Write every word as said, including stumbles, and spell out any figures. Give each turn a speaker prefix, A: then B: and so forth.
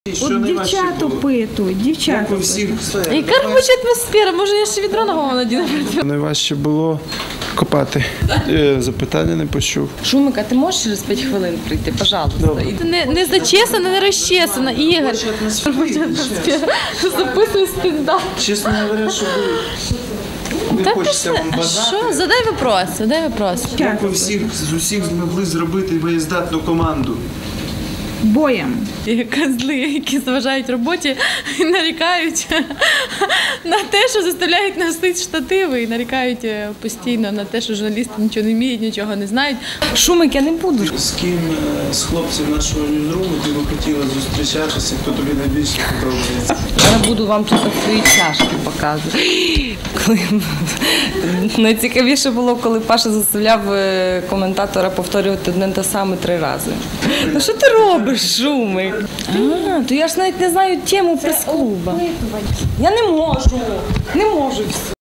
A: От дівчат опитують, дівчат опитують.
B: Яка робоча атмосфера? Може, я ще відро на голову надіну?
C: Найважче було копати. Запитання не почув.
B: Шумик, а ти можеш через п'ять хвилин прийти, пожалуйста? Не, не зачесана, не розчесана, Ігор. Робоча атмосфера. Записуй стендап.
C: Чесно говоря, що ви... Не хочеться вам бажати.
B: Що? Задай вопрос, задай вопрос.
C: Як ви всіх, з усіх змогли зробити боєздатну команду?
A: Боєм.
B: Ті козли, які заважають роботі і нарікають на те, що заставляють носити штативи, і нарікають постійно на те, що журналісти нічого не вміють, нічого не знають. Шумик, я не буду.
C: З ким з хлопців нашого ньюзруму ти би хотіла зустрічатися, хто тобі найбільше подобається?
B: Я буду вам тут свої чашки показувати. Найцікавіше було, коли Паша заставляв коментатора повторювати одне те саме три рази. Ну що ти робиш, Шумик? А, то я ж навіть не знаю тему прес-клуба. Я не можу, не можу.